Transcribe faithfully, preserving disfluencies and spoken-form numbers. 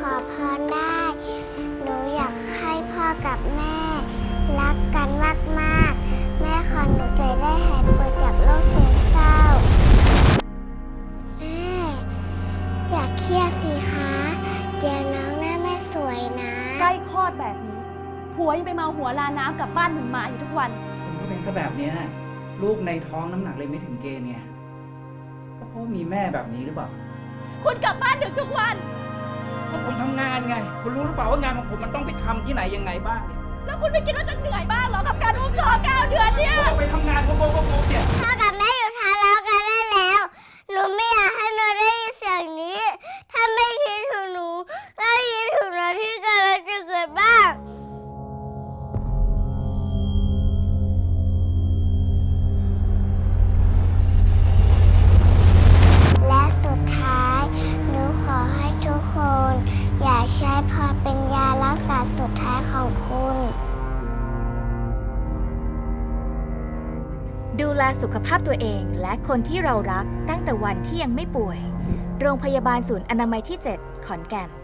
ขอพรได้ หนูอยากให้พ่อกับแม่รักกันมากๆ แม่ขอหนูจะได้หายป่วยจากโรคซึมเศร้า แม่ อย่าเครียดสิคะ เดี๋ยวน้องหน้าแม่สวยนะใกล้คลอดแบบนี้ผัวยังไปเมาหัวลาน้ำกลับบ้านถึงหมาอยู่ทุกวันคุณก็เป็นซะแบบเนี้ยลูกในท้องน้ำหนักเลยไม่ถึงเกณฑ์ไงก็เพราะมีแม่แบบนี้หรือเปล่าคุณกลับบ้านดึกทุกวันก็ผมทำงานไง คุณรู้หรือเปล่าว่างานของผมมันต้องไปทำที่ไหนยังไงบ้างเนี่ยแล้วคุณไม่คิดว่าจะเหนื่อยบ้างเหรอกับการอุ้มท้องเก้าเดือนเนี่ยผมไปทำงานโกโก้โกเนี่ยพ่อกับแม่อยู่ทะเลาะกันได้แล้ว หนูไม่อยากให้หนูได้ยินเสียงนี้ ถ้าไม่คิดถึงหนูก็คิดถึงเราที่กำลังจะเกิดบ้าง และสุดท้าย หนูขอให้ทุกคน อย่าใช้พรเป็นยารักษาสุดท้ายของคุณดูแลสุขภาพตัวเองและคนที่เรารักตั้งแต่วันที่ยังไม่ป่วย โรงพยาบาลศูนย์อนามัยที่ เจ็ด ขอนแก่น